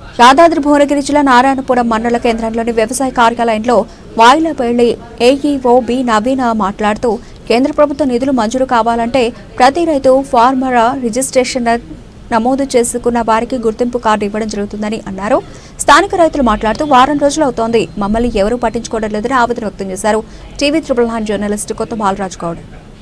యాదాద్రి భువనగిరి జిల్లా నారాయణపురం మండల కేంద్రంలోని వ్యవసాయ కార్యాలయంలో వాయిలపల్లి ఏఈఓ బి నవీన మాట్లాడుతూ కేంద్ర ప్రభుత్వ నిధులు మంజూరు కావాలంటే ప్రతి రైతు ఫార్మర్ రిజిస్ట్రేషన్ నమోదు చేసుకున్న వారికి గుర్తింపు కార్డు ఇవ్వడం జరుగుతుందని అన్నారు. స్థానిక రైతులు మాట్లాడుతూ వారం రోజులు అవుతోంది, మమ్మల్ని ఎవరూ పట్టించుకోవడం లేదని ఆవేదన వ్యక్తం చేశారు. టీవీ 999 జర్నలిస్ట్ కొత్త బాలరాజు గౌడ్.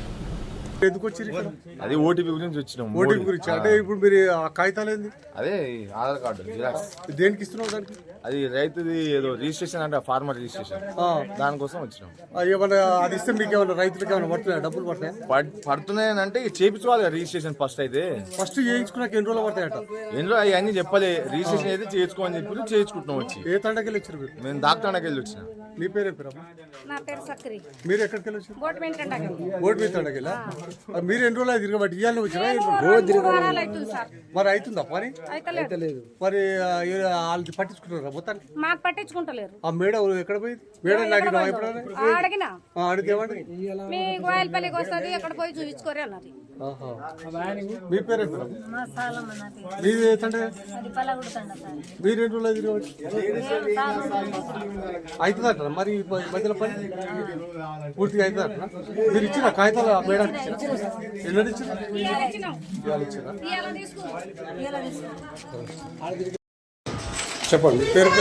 అది ఓటీపీ గురించి వచ్చినాం. ఓటీపీ గురించి అంటే ఇప్పుడు మీరు ఆ కాగితాలు ఏంది? అదే ఆధార్ కార్డు జిరాక్స్. దేనికి ఇస్తున్నావు దానికి? అది రైతుది ఏదో రిజిస్ట్రేషన్ అంటే ఫార్మర్ రిజిస్ట్రేషన్, దానికోసం వచ్చినాం. ఏమన్నా అది ఇస్తే మీకు ఏమన్నా రైతులకు ఏమైనా పడుతున్నాయి? డబ్బులు పడుతున్నాయి అంటే చేయించుకోవాలి రిజిస్ట్రేషన్. ఫస్ట్ చేయించుకున్నాక ఎన్ని రోజులు పడతాయట? ఎన్ని రోజులు అవన్నీ చెప్పలే. రిజిస్ట్రేషన్ అయితే చేసుకోమని చెప్పి చేయించుకుంటున్నాం. వచ్చి ఏ తండకెళ్ళి వచ్చారు మీరు? మేము డాక్టర్ వెళ్ళి వచ్చిన. నీ పేరు ఏం పేరు? నా పేరు సక్రి. మీరు ఎక్కడికి వెళ్ళి వచ్చారు? బోట్ మీద తండకెళ్ళా. మీరు ఎన్ని రోజులు తిరగబట్టి ఇవ్వాలని వచ్చినా? మరి అవుతుందా పని? మరి వాళ్ళకి పట్టించుకుంటారా మొత్తానికి? మాకు పట్టించుకుంటలేరు. ఆ మేడం ఎక్కడ పోయింది? మేడం నాకు అడిగినా అడిగేమండి మీ గోయలపల్లికి వస్తుంది, ఎక్కడ పోయి చూపించుకోరే అన్నది. మీ పేరు మీది మీరు ఎన్ని రోజులు తిరగబట్టి అవుతుందట? మరి మధ్యలో పని పూర్తిగా అవుతుందట? మీరు ఇచ్చిన కాగితాలు మేడం ఎన్నో ఇచ్చిన? చెప్పండి పేరు.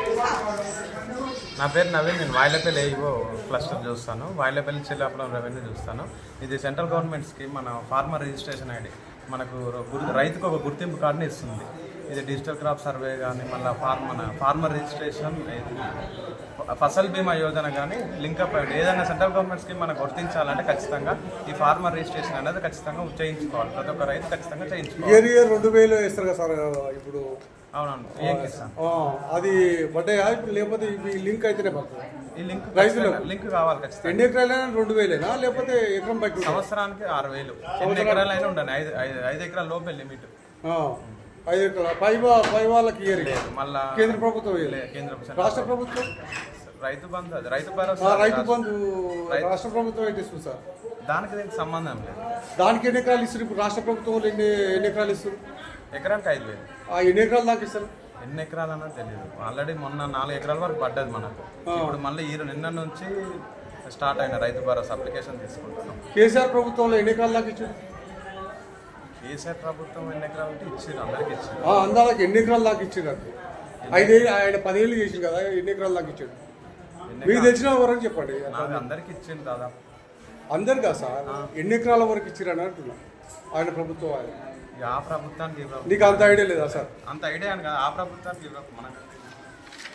నా పేరు నవీన్. నేను వాయిలపల్లి ఏఈఓ క్లస్టర్ చూస్తాను. వాయిలపల్లి చెల్లాపురం రెవెన్యూ చూస్తాను. ఇది సెంట్రల్ గవర్నమెంట్ స్కీమ్. మన ఫార్మర్ రిజిస్ట్రేషన్ ఐడి మనకు రైతుకు ఒక గుర్తింపు కార్డుని ఇస్తుంది. ఇది డిజిటల్ క్రాప్ సర్వే కానీ, మళ్ళీ ఫార్మర్ రిజిస్ట్రేషన్, ఫసల్ బీమా యోజన కానీ లింకప్ అయ్యి ఏదైనా సెంట్రల్ గవర్నమెంట్ స్కీమ్ మనకు గుర్తించాలంటే ఖచ్చితంగా ఈ ఫార్మర్ రిజిస్ట్రేషన్ అనేది ఖచ్చితంగా చేయించుకోవాలి. ప్రతి ఒక్క రైతు ఖచ్చితంగా చేయించుకోవాలి. 2000 వేస్తారు కదా సార్ ఇప్పుడు? అవునవును. అది పడ్డాయా ఇప్పుడు? లేకపోతే లింక్ అయితేనే పడుతుంది? ఈ లింక్ రైతులకు లింక్ కావాలి ఖచ్చితంగా. ఎన్ని ఎకరాలైనా 2000 లేకపోతే ఎకరం బట్టి? సంవత్సరానికి 6000. ఎన్ని ఎకరాలైనా ఉండాలి. 5 ఎకరాల లోపే లిమిట్. 5 ఎకరాల పై వాళ్ళకి మళ్ళా కేంద్ర ప్రభుత్వం, రాష్ట్ర ప్రభుత్వం రైతు బంధు, రైతు భరోసా, రైతు బంధు రాష్ట్ర ప్రభుత్వం ఏంటి సార్? దానికి దీనికి సంబంధం లేదు. దానికి ఎన్ని ఎకరాలు ఇస్తారు ఇప్పుడు? రాష్ట్ర ప్రభుత్వం ఎన్ని ఎకరాలు ఇస్తారు? ఎకరానికి 5000. ఎన్ని ఎకరాలు దాకా ఇస్తారు? ఎన్ని ఎకరాలు అన్నది తెలియదు. ఆల్రెడీ మొన్న 4 ఎకరాల వరకు పడ్డది మనకు. ఇప్పుడు మళ్ళీ నిన్న నుంచి స్టార్ట్ అయిన రైతు భరోసా అప్లికేషన్ తీసుకుంటున్నాం. కేసీఆర్ ప్రభుత్వంలో ఎన్ని ఎకరాలు దాకా ఇచ్చారు? కేసీఆర్ ప్రభుత్వం ఎన్ని ఎకరాలు అంటే ఇచ్చారు, అందరికి ఇచ్చారు. అందరికి ఎన్ని ఎకరాలు దాకా ఇచ్చారు? అంటే 5 ఏళ్ళు ఆయన 10 ఏళ్ళు చేసింది కదా, ఎన్ని ఎకరాలు దాకా ఇచ్చాడు? మీకు తెలిసిన వరకు చెప్పండి. అందరికి ఇచ్చింది దాదాపు. అందరు కదా సార్, ఎన్ని ఎకరాల వరకు ఇచ్చారు అని అంటున్నా ఆయన ప్రభుత్వం? ఆ ప్రభుత్వానికి నీకు అంత ఐడియా లేదా సార్? అంత ఐడియా అని కదా. ఆ ప్రభుత్వానికి మనకు